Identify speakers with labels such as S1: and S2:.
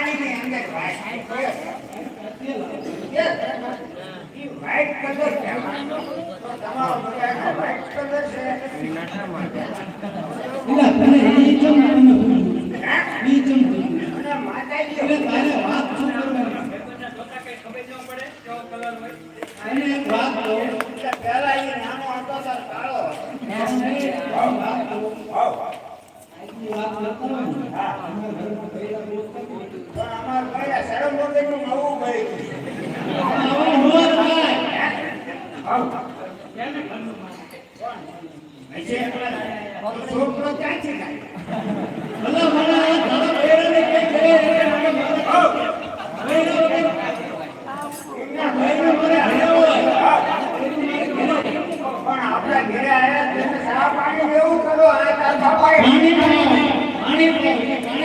S1: ની અંદર white colour છે તમારો બધાનો વ્હાઈટ કલર છે
S2: એલા તને ઈ ચમ ઈ ચમ
S1: અને માતાજી
S2: એટલે તારે વાત શું કરવાની અને એક વાત કહું
S1: પહેલા એ નાનો હતો તાર કાળો
S2: વાત કહું આજની વાત ન કરવાની અમારા ઘરમાં પહેલા દોસ્ત
S1: પણ અમાર ભાઈ શરમ વગરનું નવું ભાઈ
S2: આવો હોર ભાઈ
S1: છોકરો ક્યાં છે
S2: ભલા ભલા